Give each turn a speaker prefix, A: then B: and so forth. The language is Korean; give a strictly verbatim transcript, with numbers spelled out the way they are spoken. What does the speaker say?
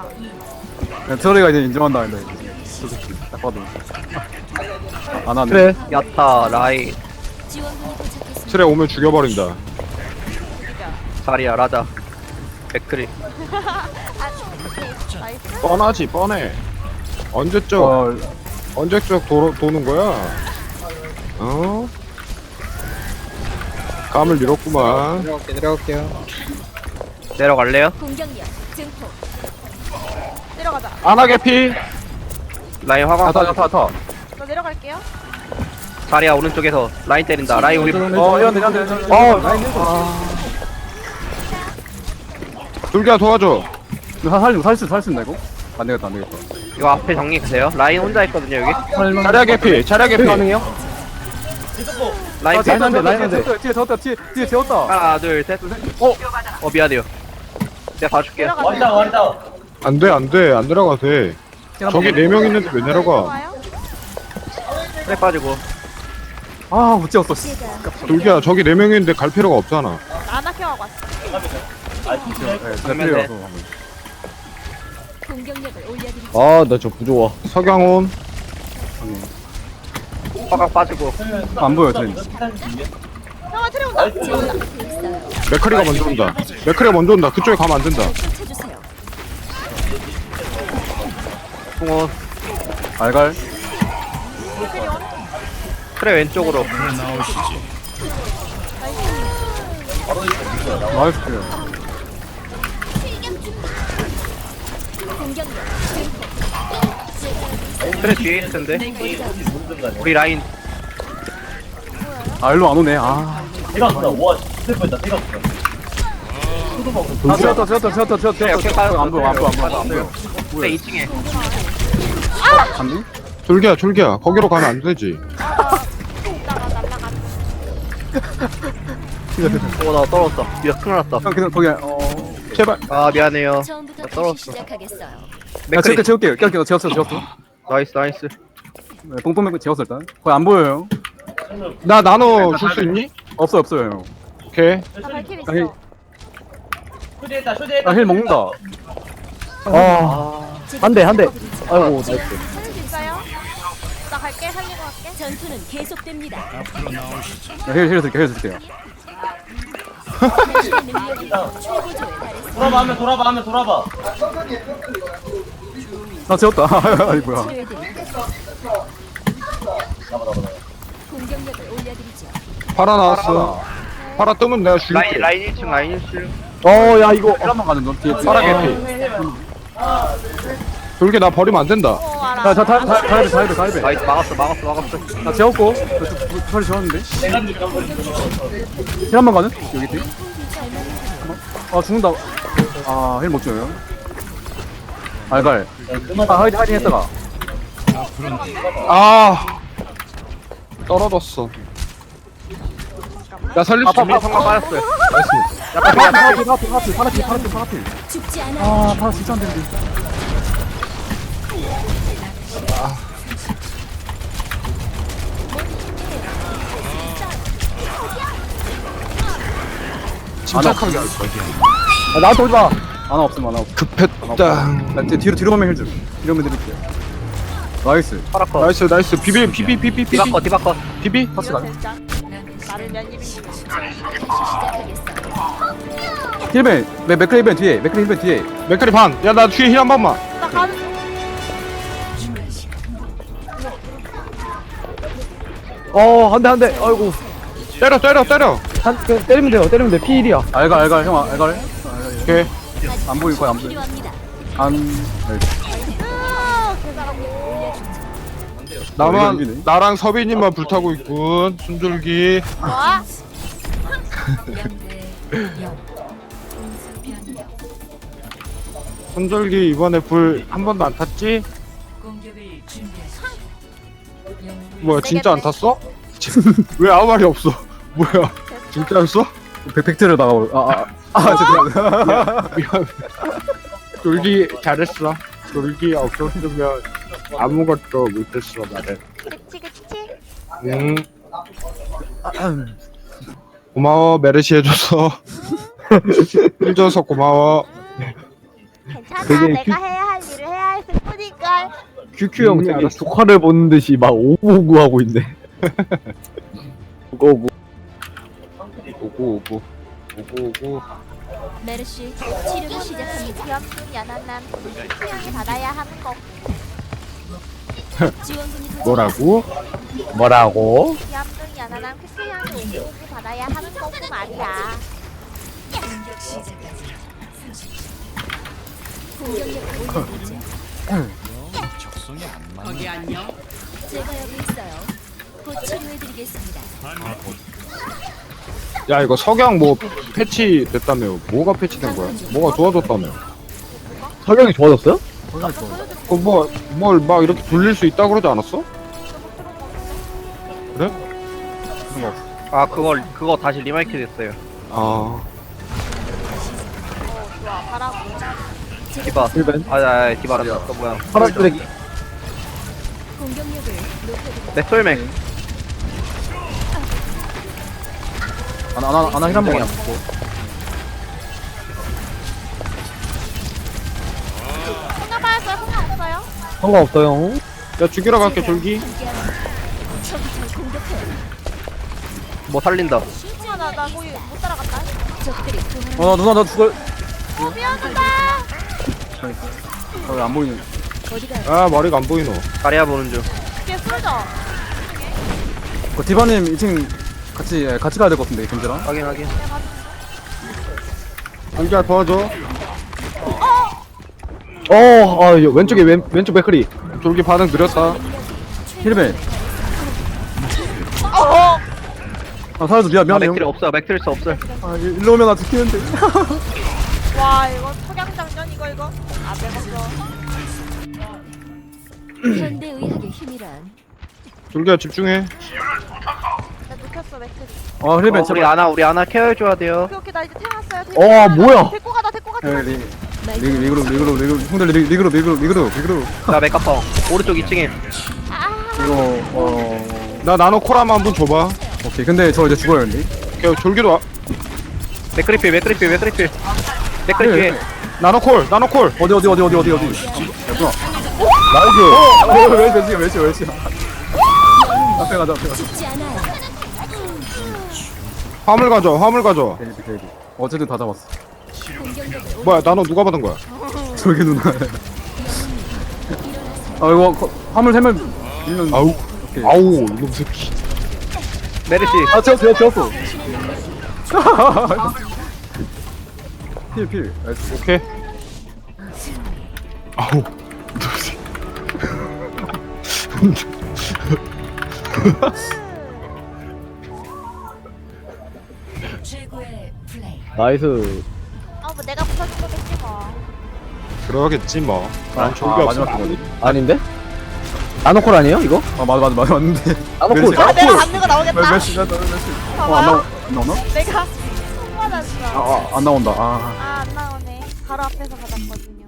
A: 야, 트러리가 이제 인정한다 근데 저 새끼 딱 봐도 안 하네.
B: 그래.
C: 야타 라이
D: 틀에 오면 죽여버린다.
C: 자리야 라자 백크리.
D: 뻔하지 뻔해. 언제적
A: 어,
D: 언제적 도, 도는 거야? 어? 감을 잃었구만.
B: 내려갈게, 내려갈게요.
C: 내려갈래요?
E: 공격력 증폭.
F: 내려가자.
D: 안하게 피.
C: 라인 화강.
A: 야타 야타 야타.
F: 저 내려갈게요.
C: 자리야 오른쪽에서 라인 때린다. 라인 우리
A: 어 이런데 이런데 이런데.
D: 어,
A: 라인
D: 둘기야 도와줘.
A: 이거 살수 살수 살수 있나 이거? 안 되겠다 안 되겠다.
C: 이거 앞에 정리해주세요. 라인 혼자 있거든요 여기.
D: 차량의 피. 차량의 피.
B: 가능해요?
C: 라인
A: 아,
C: 피.
A: 라인 안 돼,
B: 라인
A: 라인
B: 안 돼.
A: 뒤에 뒤에 재웠다 뒤에 뒤에 재웠다.
C: 하나 둘셋 어? 어 미안해요. 내가 봐줄게요.
F: 내려가자.
D: 안돼 안돼 안 내려가 돼. 저기 네 명 있는데 왜 내려가?
F: 와요?
C: 그래 빠지고.
A: 아못 재웠어. 씨.
D: 둘기야 저기 네 명 있는데 갈 필요가 없잖아.
F: 나나케하고 왔어.
A: 네,
C: 그러면
A: 네,
C: 돼.
A: 와서 한번.
E: 공격력을 올려드리죠.
B: 아, 나 저 부조화.
D: 서경훈.
C: 화강 빠지고.
A: 안 보여 트레인.
F: 형아 트레 온다.
E: 제가 앞에 있어요.
D: 맥크리가 먼저 온다. 맥크리가 먼저 온다. 그쪽에 가면 안 된다.
E: 쫓아주세요.
C: 풍호.
A: 알갈.
C: 그래 왼쪽으로.
A: 나이스.
E: 공격력 증폭.
C: 그래 뒤에 있을 텐데. 우리 라인.
A: 아 일로 안 오네. 아. 아 재웠다 재웠다 재웠다 재웠다
C: 그래 역행 빠졌어.
A: 안 보여 안 보여 안 보여 안 보여.
C: 그래 이 층에.
A: 갔니?
D: 둘기야 둘기야 거기로 가면 안 되지.
F: 이따가 날라가.
C: 어나 떨어졌어. 미안 큰일 났다.
A: 형 그냥 거기 어.
D: 제발.
C: 아 미안해요.
E: 처음부터
C: 나
E: 다시
C: 떨어졌어.
E: 시작하겠어요.
A: 야
C: 맥크리.
A: 재울게 재울게. 깨울게 재웠어 재웠어.
C: 나이스 나이스.
A: 네, 뽕뽕 맥 재웠어 일단. 거의 안 보여요.
D: 나 나눠 줄 수 있니?
A: 없어요 없어요 형.
D: 오케이.
F: 나 발키리
A: 아니,
F: 있어.
A: 나힐 먹는다.
B: 아, 한 대, 한 대. 아이고, 나이스.
F: 살릴 수 있어요? 나 갈게. 살리고 갈게.
E: 전투는 계속됩니다.
A: 힐힐 줄게 힐 줄게요.
E: 당신의 능력이 최고조에 달했습니다.
G: 돌아봐 하면 돌아봐 하면 돌아봐.
A: 아 재웠다. 아니 뭐야.
E: 치료해드릴게요. 공격력을 올려드리죠.
D: 파라 나왔어. 파라 뜨면 내가 줄게.
C: 라인 라인 일 층 라인 일 층.
B: 어, 야, 이거.
A: 힐 한번 가는 중 뒤에.
D: 파라 개피. 둘기 나 버리면 안 된다.
F: 어 알아.
A: 야자 다 다 다이베 다이베 다이베.
C: 나이스 막았어 막았어 막았어.
A: 나 재웠고. 털이 재웠는데. 힐 한번 가는? 여기 뒤. 아 죽는다. 아힐 못 줘요. 알갈. 아 하이딩 하이딩 했다가.
D: 아 떨어졌어. 야 살릴 수
C: 아빠
D: 있니?
C: 성공 빠졌어요.
A: 파라필 파라필 파라필 파라필 파라필 파라필.
E: 죽지 않아.
A: 아 파라 진짜 안 되는데.
D: 침착하게 할 거야.
A: 아 나한테 오지 마. 하나 없음 하나 없음.
D: 급했다.
A: 나 뒤- 뒤로 뒤로 가면 힐 줄. 이러면 드릴게요. 나이스.
C: 파라커.
D: 나이스 나이스 비비 비비 비비 비비
C: 디바커 디바커.
D: 비비.
A: 터치 가.
F: 진짜. 나를 면입이.
E: 시작하겠어요.
A: 힐벤 맥 맥크리 힐벤 뒤에 맥크리 힐벤 뒤에.
D: 맥카리 반. 야 나 뒤에 힐 한 번만.
F: 나 가는 중.
B: 어, 한 대, 한 대. 아이고.
D: 때려 때려 때려.
B: 한, 그, 때리면 돼요, 때리면 돼. 피일이야.
A: 알갈 알갈 형 알갈.
D: 오케이.
A: 안 보일 거야 안 보일.
E: 필요합니다.
A: 안.
F: 으, 개잘하고.
D: 나만
A: 이기네.
D: 나랑 서빈이만 불타고 있군. 순줄기.
F: 좋아.
D: 순줄기 이번에 불 한 번도 안 탔지? 뭐야 진짜 안 탔어? 왜 아무 말이 없어? 뭐야 진짜였어?
A: 백팩트를 나가고. 아아 아, 죄송합니다.
D: 미안. 졸기 잘했어. 졸기 없었으면 아무것도 못했어 나를.
F: 그치 그치.
D: 응. 고마워 메르시 해줘서 해줘서 고마워.
F: 괜찮아.
B: 되게
F: 내가 해야 할 일을 해야 했을 뿐이걸.
B: 큐큐 형
D: 음,
B: 되게
D: 알았어.
B: 조카를 보는 듯이 막 오구오구 하고 있네. 오구오구.
D: 오고 오고 오고 오고.
E: 메르시 치료를 시작합니다.
F: 귀염둥이 연한남 수양이 받아야 하는 거.
E: 지원군이 도착.
D: 뭐라고?
B: 뭐라고?
F: 귀염둥이 연한남 수양이 오고 오고 받아야 하는 거고 말이야.
E: 공격력을 올려드리죠. 제가 여기 있어요. 곧 치료해드리겠습니다.
D: 야 이거 석양 뭐 패치 됐다며. 뭐가 패치된 거야? 뭐가 좋아졌다며.
B: 석영이 좋아졌어요?
D: 그뭐뭘 막 이렇게 돌릴 수 있다 그러지 않았어? 그래?
C: 아 그거 그거 다시 리마이크 됐어요.
D: 아
F: 어 좋아 가라고.
C: 디바.
B: 일벤.
C: 아, 아 디바란다. 또 뭐야?
B: 파란 쓰레기.
E: 공격력을 높여드리죠.
C: 내 솔맥.
A: 아나 아나 아나 힐한 번만.
F: 혼자 받았어요? 혼자 없어요?
B: 상관없어요.
D: 야 죽이러 갈게 졸기.
E: 함께합니다. 적이 절 공격해요.
C: 뭐 살린다.
F: 아, 나, 나 거기 못 따라갔다.
E: 적들이 도망.
A: 어 누나 나 죽을.
F: 어, 미안하다.
A: 아왜안 보이는?
E: 어디가?
D: 아 머리가 안 보이노.
C: 다리야 보는 중.
F: 걔 쏠져.
A: 그 디바님 이 층 같이 예, 같이 가야 될 것 같은데 김재랑.
C: 확인 확인.
D: 안기야 도와줘.
B: 어, 아, 여- 왼쪽에 왼, 왼쪽 맥크리.
D: 졸기 반응 느렸다.
A: 힐벤.
F: 어.
A: 아 살려줘 미안
C: 아,
A: 미안해 형.
C: 맥트리 없어. 맥트리스 없어.
A: 아 일- 일로 오면 나 죽겠는데.
F: 와 이거 석양장전 이거 이거. 아 배웠어.
E: 현대의학의 힘이란
D: 졸기야 집중해.
F: 나 눕혔어 맥트리.
A: 아 힐벤
C: 어, 우리
A: 제발.
C: 아나 우리 아나 케어해줘야 돼요.
F: 오케이 오케이 나 이제 태어났어요.
B: 어, 뭐야?
F: 데리고 가다 데리고 가다.
A: 예, 리 리- 리그룹 리그룹 리그룹 형들 리- 리그룹 리그룹 리그룹 리그룹.
C: 나 맥카펑. 오른쪽 이 층에.
A: 이거 어
D: 나 나노 콜라만 한번 줘봐.
A: 오케이 근데 저 이제 죽어요 근데.
D: 오케이 졸기도 와.
C: 맥크리필 맥크리필 맥크리필. 맥크리 뒤에.
D: 나노 콜 나노 콜.
A: 어디 어디 어디 어디 어디 어디. 됐구나.
B: 나이스.
A: 어, 왜 몇시야 몇시야 몇시야. 앞에 가자 앞에 가자.
E: 죽지 않아요.
D: 화물 가져 화물 가져.
A: 데이비 데이비. 어쨌든 다 잡았어.
E: 공격력을
D: 뭐야 나노 누가 받은 거야?
A: 저기 누나. 아 이거 거- 화물 세면 밀면.
D: 아우
A: 오케이.
D: 아우 이놈 새끼.
C: 메르시.
A: 아 채웠어 채웠어. 필 필. 나이스.
D: 오케이. 아우 이놈 새끼.
E: 최고의 플레이.
B: 나이스.
F: 아뭐 내가 부서진 거겠지 뭐.
D: 그러겠지 뭐. 난
A: 아,
D: 졸기
A: 아,
D: 없어.
A: 마지막 거거든.
B: 아닌데? 나노콜 아니에요, 이거?
A: 아 맞아 맞아 맞아 맞는데.
B: 나노콜,
A: 몇 시?
F: 아 내가
B: 나노콜.
F: 받는 거 나오겠다.
A: 몇 시? 몇 시? 몇 시? 어안
F: 봐봐요.
A: 나오 안 나오나?
F: 내가 손 받았어.
A: 아안 나온다. 아.
F: 아 안 나오네. 바로 앞에서 받았거든요.